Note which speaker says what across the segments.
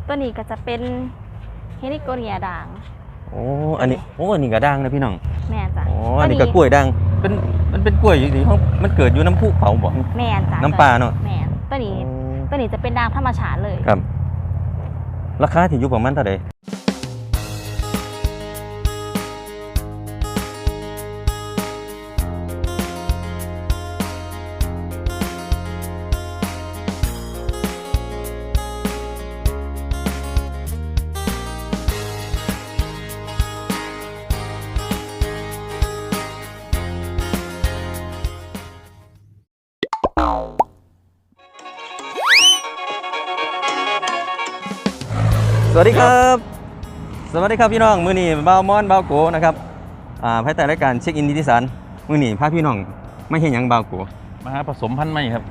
Speaker 1: ตัวนี้ก็จะเป็นเฮลิโกเนียด่าง
Speaker 2: โอ้อันนี้อันนี้ก็ด่างนะพี่น้อง
Speaker 1: แม่จ้ะ
Speaker 2: อันนี้ก็กล้วยด่างมันเป็นกล้วยอยู่ที่มันเกิดอยู่น้ำพุเขาบ่
Speaker 1: แม่จ้ะ
Speaker 2: น้ำปลาเนาะ
Speaker 1: แม่ตัวนี้จะเป็นด่างธรรมชาติเลย
Speaker 2: ครับราคาที่อยู่ประมาณเท่าไหร่สวัสดีครับพี่น้องมื้อนี้บ่าวมอนบ่าวโกนะครับภายใต้รายการเช็คอินดิจิสันมื้อนี้พาพี่น้องไม่เห็นหยังบ่าวโก
Speaker 3: มาหาผสมพันธุ์ใหม่ครับ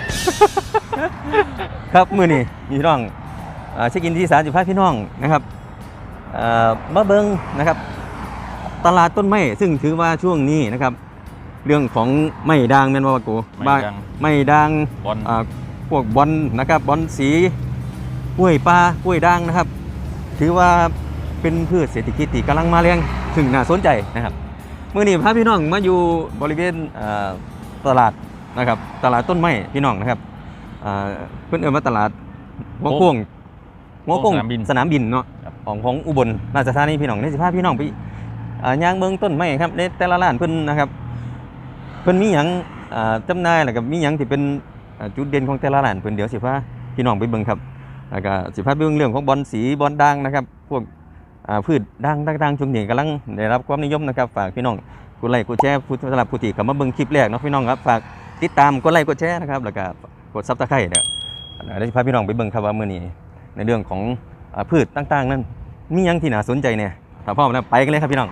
Speaker 2: ครับมื้อนี้พี่น้องเช็คอินดิจิสันจะพาพี่น้องนะครับมาเบิ่งนะครับตลาดต้นไม้ซึ่งถือว่าช่วงนี้นะครับเรื่องของไม้ด่างแม่นบ่าวโกไม้ด่างพวกบอนนะครับบอนสีกล้วยปลากล้วยด่างนะครับถือว่าเป็นพืชเศรษฐกิจที่กำลังมาแรงถึงน่าสนใจนะครับเมื่อนี้พาพี่น้องมาอยู่บริเวณตลาดนะครับตลาดต้นไม้พี่น้องนะครับเพื่อนมาตลาดหัวโค้งสนามบินเนาะของอุบลราชธานีพี่น้องนี่สิพาพี่น้องไปย่างเมืองต้นไม้ครับในแต่ละร้านเพิ่นนะครับเพิ่นมีหยังจำหน่ายแล้วก็มีหยังที่เป็นจุดเด่นของแต่ละร้านเพิ่นเดี๋ยวสิพาพี่น้องไปเบิ่งครับแล้วก็สิพาไปเรื่องของบอนสีบอนด่างนะครับพวกพืชด่างช่วงนี้กำลังได้รับความนิยมนะครับฝากพี่น้องกดไลค์กดแชร์สำหรับผู้ที่เข้ามาเบิ่งคลิปแรกเนาะพี่น้องครับฝากติดตามกดไลค์กดแชร์นะครับแล้วก็กดซับสไครต์เนี่ยเดี๋ยวสิพาพี่น้องไปเบิ่งครับว่ามื้อนี้ในเรื่องของพืชต่างๆนั้นมีหยังที่น่าสนใจเนี่ยถ้าพร้อมแล้วไปกันเลยครับพี่น้อง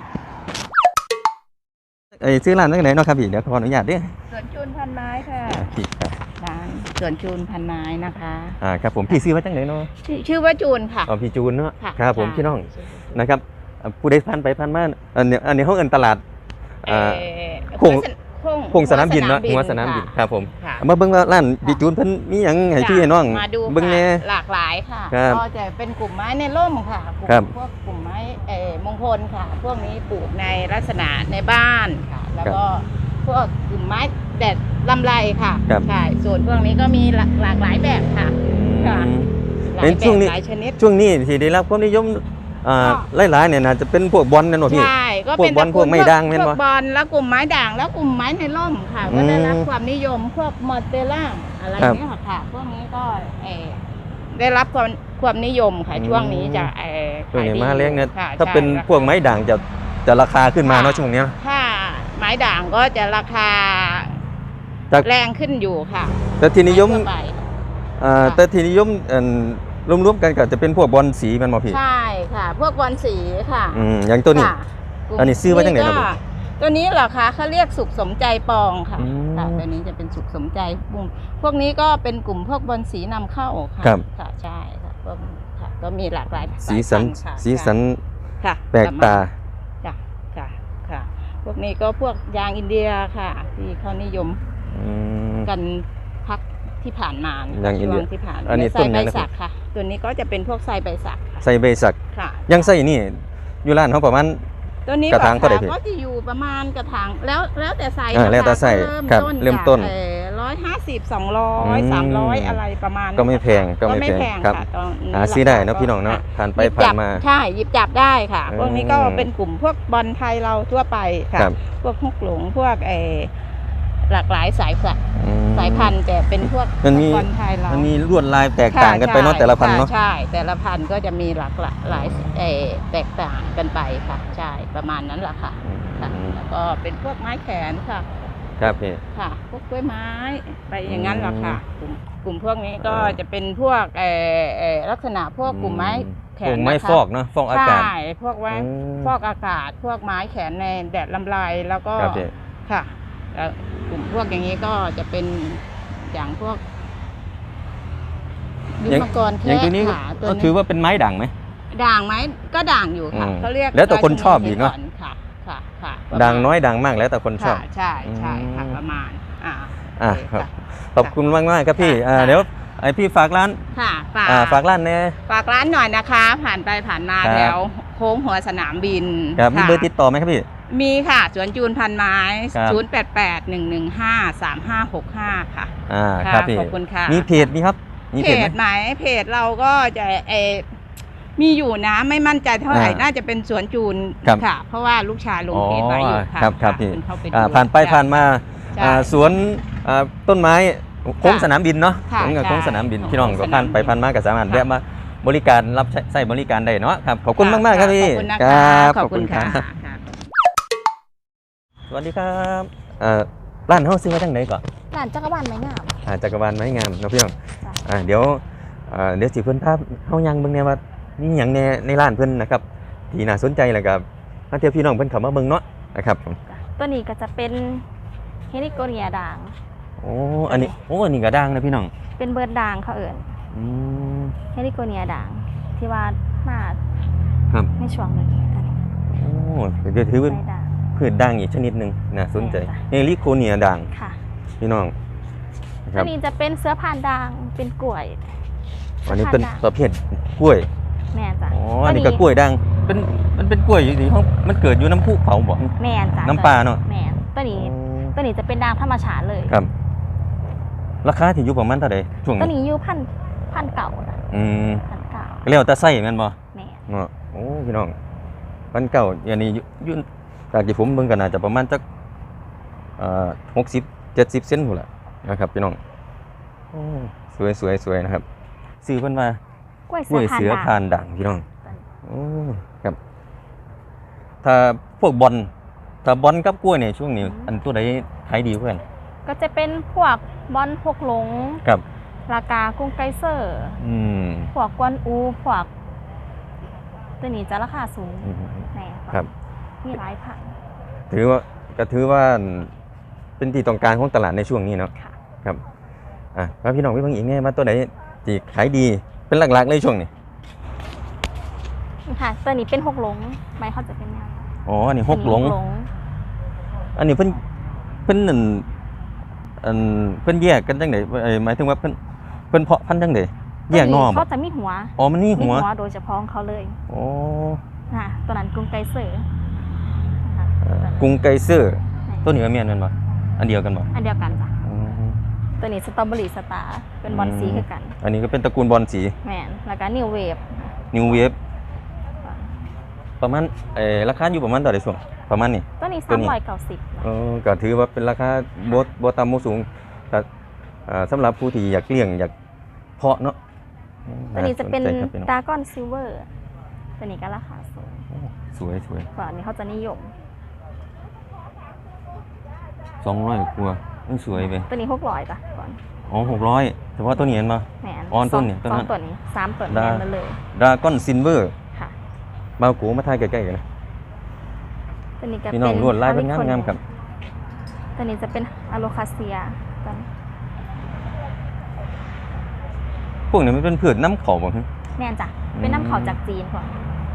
Speaker 2: ซื้อร้านตั้งไหนเนาะครับพี่เดี๋ยวขออนุญาตด้วย
Speaker 4: สวนจูนพันไม้ค่ะร้านสวนจูนพันไม้นะคะ
Speaker 2: ครับผมพี่ซื้อไว้ตั้งไหนเนาะ
Speaker 4: ชื่อว่าจูนค่ะ
Speaker 2: พี่จูนเนาะครับผมพี่น้องนะครับผู้ใดผ่านไปผ่านมาอันนี้เขาเอิ้นตลาดโค้งสนามบินเนาะหัวสนามบินครับผมมาเบิ่งร้านพี่จูนเพิ่นมีหยังให้พี่ให้น้อง
Speaker 4: เบิ่งแน่หลากหลายค่ะก็จะเป็นกลุ่มไม้ในร่มค่ะพวกกลุ่มไม้มงคลค่ะพวกนี้ปลูกในลักษณะในบ้านค่ะแล้วก็พวกกลุ่มไม้แดดลำไรค่ะใช่ส่วนพวกนี้ก็มีหลากหลายแบบค่ะหลายแบบหลายชนิด
Speaker 2: ช่วงนี้ที่ได้รับความนิยมหลายๆเนี่ยนะจะเป็นพวกบอลนั่นหรอพี่
Speaker 4: ใช่ก็เป็น
Speaker 2: พวกไม้ด่างแม่นบ่
Speaker 4: พวกบอลแล้วกลุ่มไม้ด่างแล้วกลุ่มไม้ในร่มค่ะก็ได้รับความนิยมพวกมอเตล่าอะไรนี้ค่ะพวกนี้ก็ได้รับความนิยมค่ะช่วงนี้จะ
Speaker 2: ช่วงนี้มาเลี้ยงเนี่ยถ้าเป็นพวกไม้ด่างจะราคาขึ้นมาเนาะช่วงนี้
Speaker 4: ถ้าไม้ด่างก็จะราคาแรงขึ้นอยู่ค่ะ
Speaker 2: แต่ที่นิยมรวมๆกันก็จะเป็นพวกบอลสีมันบ่พี่
Speaker 4: ใช่ค่ะพวกบอลสีค่ะ
Speaker 2: อย่างตัวนี้อันนี้ซื้อไว้จังไหนครับ
Speaker 4: ตัวนี้เหรอคะเขาเรียกสุขสมใจปองค่ะตัวนี้จะเป็นสุขสมใจพวกนี้ก็เป็นกลุ่มพวกบอลสีนำเข้าค่ะค่ะใช่ค่ะพวกค่ะก็มีหลากหลาย
Speaker 2: สีสัน
Speaker 4: ค่ะ
Speaker 2: แปลกตา
Speaker 4: ค่ะพวกนี้ก็พวกยางอินเดียค่ะที่เขานิยมกันพักที่ผ่านมาช่วงที่ผ่าน
Speaker 2: อันนี้
Speaker 4: ไซใบสักค่ะตัวนี้ก็จะเป็นพวกไซใบสัก
Speaker 2: ไซใบสัก
Speaker 4: ค่ะ
Speaker 2: ยังไซนี่อยู่ร้านเขาประมาณ
Speaker 4: ตัวนี้
Speaker 2: กระถางก็
Speaker 4: จะอยู่ประมาณกระถางแล้วแต่ไซ
Speaker 2: แล้วแต่ไซเริ่มต้น
Speaker 4: 150 200 300อะไรประมาณ
Speaker 2: ก็ไม่แพงครับซื้อได้นะพี่น้องเนาะผ่านไปผ่านมา
Speaker 4: ใช่หยิบจับได้ค่ะพวกนี้ก็เป็นกลุ่มพวกบอลไทยเราทั่วไปค่ะพวกฮุกหลงพวกหลากหลายสายพันธุ์แต่เป็นพวกบอลไทยเรา
Speaker 2: มันมีลวดลายแตกต่างกันไปเนาะแต่ละพันธุ์เนาะ
Speaker 4: ใช่แต่ละพันธุ์ก็จะมีหลากหลายแตกต่างกันไปค่ะใช่ประมาณนั้นแหละค่ะแล้วก็เป็นพวกไม้แขนค่ะ
Speaker 2: ครับพี่
Speaker 4: ค่ะพวกกล้วยไม้ไปอย่างนั้นแหละค่ะกลุ่มพวกนี้ก็จะเป็นพวกลักษณะพวกกลุ่มไม้แขน
Speaker 2: ไม้ฟอกเนาะฟอกอากาศ
Speaker 4: ใช่พวกไม้ฟอกอากาศพวกไม้แขนในแดดลำไรแล้วก็ค่ะกลุ่มพวกอย่างนี้ก็จะเป็นอย่างพวกลิ้นมังกรแค่
Speaker 2: อย่างตัวนี้ก็ถือว่าเป็นไม้ด่างไหม
Speaker 4: ด่างไหมก็ด่างอยู่ค่ะเขาเรียก
Speaker 2: แล้วแต่คนชอบอีกเนาะ
Speaker 4: ค่ะ
Speaker 2: ด่างน้อยด่างมากแล้วแต่คนชอบ
Speaker 4: ใช่ค่ะประมาณ
Speaker 2: ครับขอบคุณมากครับพี่เดี๋ยวไอพี่ฝากร้าน
Speaker 4: ค่ะ
Speaker 2: ฝากร้านแน่
Speaker 4: ฝากร้านหน่อยนะคะ ผ่านไปผ่านมา
Speaker 2: ครับ
Speaker 4: แถวโค้งหัวสนามบิน
Speaker 2: ครับมี
Speaker 4: ค่ะ
Speaker 2: เบอร์ติดต่อไหมครับพี่
Speaker 4: มีค่ะสวนจูนพันไม้
Speaker 2: ครับ
Speaker 4: 0881153565 ค่ะ
Speaker 2: ครับพี่
Speaker 4: ขอบคุณค่ะ
Speaker 2: มีเพจมีครับมี
Speaker 4: เพ
Speaker 2: เพจไหม
Speaker 4: จไหมเพจเราก็จะมีอยู่นะไม่มั่นใจเท่าไหร่ น่าจะเป็นสวนจูน
Speaker 2: ครับ
Speaker 4: ค่ะ เพราะว่าลูกชายลงเพจไว้อยู่ค่ะ
Speaker 2: ครับพี่
Speaker 4: ณเข้าไปดู
Speaker 2: ผ่านไปผ่านมา
Speaker 4: ใช่
Speaker 2: สวนต้นไม้โค้งสนามบินเนาะ
Speaker 4: ค่ะ
Speaker 2: โค้งสนามบิน
Speaker 4: ใช่
Speaker 2: พี่น้องก็
Speaker 4: โค้งสนามบิน
Speaker 2: ผ่านไปผ่านมาก็สามารถ
Speaker 4: ค่ะ
Speaker 2: แวะมาบริการรับใช้บริการได้เนาะครับขอบคุณมากๆครับพี่
Speaker 4: ขอบคุณนะ
Speaker 2: ค
Speaker 4: คะ
Speaker 2: รับ
Speaker 4: ขอบคุณค่ะ
Speaker 2: รับสวัสดีครับร้านเฮาซื้อมาจังไหนก่อน
Speaker 1: ร้านจักรวาลไม้งาม
Speaker 2: จักรวาลไม้งามเนาะพี่น้อง
Speaker 1: จ้ะ
Speaker 2: เดี๋ยวสิเพิ่นภาพเฮายังเบิ่งแน่ว่ามีหยังในร้านเพิ่นนะครับที่น่าสนใจแล้วก็ถ้าเที่ยวพี่น้องเพิ่นเข้ามาเบิ่งเนาะนะครับ
Speaker 1: ตัวนี้ก็จะเป็นเฮนิโกเนียด่าง
Speaker 2: อันนี้ก็ดังนะพี่น้อง
Speaker 1: เป็นเบิร์ดด่างเขาเอิ่น
Speaker 2: อืม
Speaker 1: เฮนิโกเนียด่างที่ว่ามา
Speaker 2: ครับ
Speaker 1: ในช่วงนี้กัน
Speaker 2: เดี๋ยวถือเป็น
Speaker 1: ใบด่าง
Speaker 2: พืชด่างอีกชนิดหนึ่งน่าสนใจ
Speaker 1: ใช่จ้ะ
Speaker 2: เฮลิโคเนียด่าง
Speaker 1: ค่ะ
Speaker 2: พี่น้องนะค
Speaker 1: ตั
Speaker 2: รั
Speaker 1: ว
Speaker 2: บ
Speaker 1: นี้จะเป็นเสื้อผ่านด่างเป็นกล้วย
Speaker 2: อันนี้เป็น
Speaker 1: สื้อ
Speaker 2: ประเภทกล้วย
Speaker 1: ผ่านด่างแม่นจ้ะ
Speaker 2: อันนี้ก็กล้วยด่างมันเป็นกล้วยอยู่ที่ห้องมันเกิดอยู่น้ำพุเขาบ่
Speaker 1: แม่นจ้ะ
Speaker 2: น้ำปลาเนาะ
Speaker 1: แม่นตัวนี้จะเป็นด่างธรรมชาติเลย
Speaker 2: ครับ ราคาที่อยู่ประมาณเท่าใดช่วง
Speaker 1: ตัว
Speaker 2: นี้
Speaker 1: นี้อยู่พันเก่านะ
Speaker 2: อืม
Speaker 1: พันเก่า
Speaker 2: เรียกว่าตะไส้แม่นบ่
Speaker 1: แม่น
Speaker 2: เนาะโอ้พี่น้องมันเก่าอย่างนี้อยู่จากที่ผมเบิ่งก็น่าจะประมาณจัก60-70 เซนพุ่นล่ะนะครับพี่น้องโอ้สวยนะครับซื้อเพิ่นว่าก
Speaker 1: ล้วย
Speaker 2: กล้วย
Speaker 1: เสื
Speaker 2: เสื
Speaker 1: อ
Speaker 2: อ
Speaker 1: ผ่า
Speaker 2: ผ่าน น
Speaker 1: ด่าง
Speaker 2: ด่างพี่น้องโอ้ครับ ถ้าพวกบอลถ้าบอลกับกล้วยเนี่ยช่วงนี้อันตัวใดขายดีกว่ากัน
Speaker 1: ก็จะเป็นพวกบอลพวกหลง
Speaker 2: ครับ
Speaker 1: รากากรุงไกเซอร์
Speaker 2: อืม
Speaker 1: พวกกวนอูพวกตัวนี้จะราคาสูง
Speaker 2: อืม
Speaker 1: แน่
Speaker 2: ครับ
Speaker 1: มีหลายพัน
Speaker 2: ถือว่าเป็นที่ต้องการของตลาดในช่วงนี้เนาะ
Speaker 1: ค่ะ
Speaker 2: ครับแล้วพี่น้องพี่เพิ่งอีกไงมาตัวไหนที่ขายดีเป็นหลักๆเลยช่วงนี้
Speaker 1: ค่ะตัวนี้เป็นหกหลงใบเขาจะเป็นแนว
Speaker 2: อ๋ออันนี้หกหลง อันนี้เพิ่นนั่นเพิ่นแยกกันจังไดหมายถึงว่าเพิ่นเพาะพันธุ์จังไดแยกหนอ
Speaker 1: ตัว
Speaker 2: บ่
Speaker 1: เขาจะมีหัว
Speaker 2: อ๋อมันนี่หัว
Speaker 1: โดยเฉพาะของเขาเลย
Speaker 2: อ๋อ
Speaker 1: ค่ะตัวนั้นกรุงไกเซอร์นะคะ
Speaker 2: กรุงไกเซอร์ตัวนี้ก็แม่นแม่นบ่อันเดียวกันบ่
Speaker 1: อันเดียวกันจ้ะ
Speaker 2: อ๋อ
Speaker 1: ตัวนี้สตรอเบอรี่สตาร์เป็นบอลสีคือกัน
Speaker 2: อันนี้ก็เป็นตระกูลบอลสี
Speaker 1: แมนแล้วก็นิวเวฟ
Speaker 2: นิวเวฟประมาณราคาอยู่ประมาณเท่าไหร่ช่วงประมาณนี้
Speaker 1: ตัวนี้
Speaker 2: ตัวนี้
Speaker 1: 390
Speaker 2: ก็ถือว่าเป็นราคาบ่ต่ำบ่สูงแต่สำหรับผู้ที่อยากเลี้ยงอยากเพาะเนาะ
Speaker 1: ตัวนี้จะเป็น
Speaker 2: าสใจครับพี่น้อง
Speaker 1: ดากอนซิลเวอร์ตัวนี้ก็ราคาสูง
Speaker 2: สวย
Speaker 1: กว่าอันนี้เขาจะนิยม
Speaker 2: 200กว่าสวยไป
Speaker 1: ตัวนี้600จ้ะก่อน
Speaker 2: อ๋อ600เฉพาะตัวนี้เห็นบ่
Speaker 1: แมน
Speaker 2: อ๋อต้นนี่ต้น
Speaker 1: ส
Speaker 2: นั้
Speaker 1: อน งตัวนี้3ตัว
Speaker 2: ดา
Speaker 1: แมนมาเลย
Speaker 2: ดราก้อนซิลเวอร์
Speaker 1: ค่ะ
Speaker 2: มากูมาถ่ายใกล้ๆกันนะ
Speaker 1: ตัวนี้ก็
Speaker 2: พี่น้องลวดลายเป็นงามๆครับ
Speaker 1: ตัวนี้จะเป็นอะโลคาเซียตัวนี้
Speaker 2: พวกนี้มันเป็นพืชน้ำเขาบ่ฮะ
Speaker 1: แมนจ้ะเป็นน้ำเขาจากจีนก่อน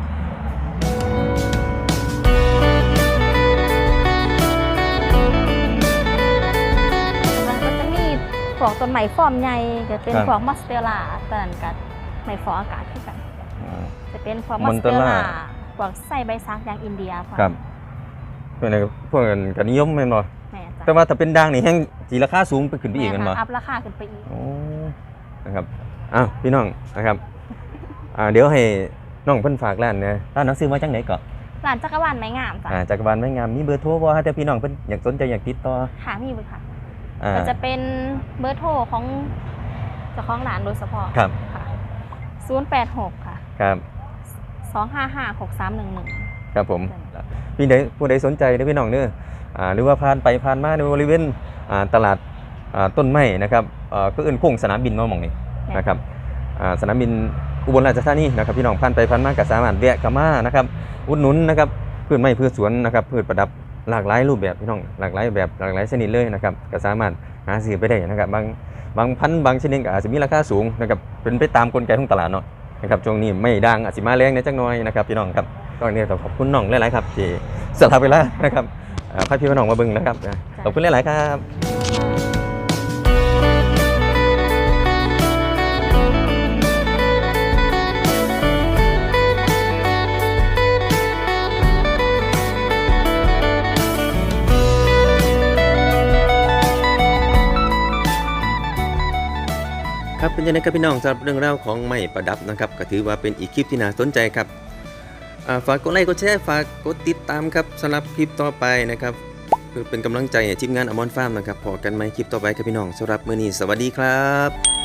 Speaker 1: มันก็จะมีพวกต้นไม้ฟอร์มใหญ่จะเป็นพวกมอสเตลล่าตัวนั้นกับไม้ฟออากาศที่กัน จะเป็นพวกมอสเตลล่าพวกไส้ใบซักอย่างอินเดียพวก
Speaker 2: ครับพวกนี้พวกกันก็นิยมแม่นบ่
Speaker 1: แม่จ้ะ
Speaker 2: แต่ว่าถ้าเป็นด่างนี่แฮงสิราคาสูงไปขึ้นไปอีกแม่นบ่
Speaker 1: อัพราคาขึ้นไปอีก
Speaker 2: โอ้นะครับอ้าวพี่น้องนะครับเดี๋ยวให้น้องเพิ่นฝากร้านนะร้านหนังสือมาจังไหนก่อน
Speaker 1: ร้านจักรวาลไม้งามจ้ะ
Speaker 2: จักรวาลไม้งามมีเบอร์โทรบ่ถ้าพี่น้องเพิ่นอยากสนใจอยากติดต่อ
Speaker 1: ค่ะมีเลยค่ะ
Speaker 2: อ่า
Speaker 1: ก็จะเป็นเบอร์โทรของเจ้าของร้านโดยเฉพาะ
Speaker 2: ครับ
Speaker 1: ค่ะ086ค่ะ
Speaker 2: ครับ
Speaker 1: 2556311
Speaker 2: ครับผมผู้ใดสนใจเด้อพี่น้องเด้อหรือว่าผ่านไปผ่านมาในบริเวณตลาดต้นไม้นะครับก็เอิ้นโค้งสนามบินเนาะหม่องนี้นะครับสนามบินอุบลราชธานีนะครับพี่น้องผ่านไปผ่านมาก็สามารถแวะเข้ามานะครับอุดหนุนนะครับพืชไม้พืชสวนนะครับพืชประดับหลากหลายรูปแบบพี่น้องหลากหลายแบบหลากหลายชนิดเลยนะครับก็สามารถหาซื้อไปได้นะครับบางพันธุ์บางชนิดก็อาจจะมีราคาสูงนะครับเป็นไปตามกลไกของตลาดเนาะนะครับช่วงนี้ไม่ดังอาจจะมาแรงในจักหน่อยนะครับพี่น้องครับตอนนี้ต้องขอบคุณน้องหลายๆครับที่สละเวลานะครับพาพี่น้องมาเบิ่งนะครับขอบคุณหลายๆครับครับเป็นยังไงครับพี่น้องสำหรับเรื่องราวของไม้ประดับนะครับก็ถือว่าเป็นอีกคลิปที่น่าสนใจครับฝากกดไลค์กดแชร์ฝากกดติดตามครับสำหรับคลิปต่อไปนะครับเพื่อเป็นกำลังใจให้ทีมงานอมรฟาร์มนะครับพอกันไหมคลิปต่อไปครับพี่น้องสำหรับมื้อนี้สวัสดีครับ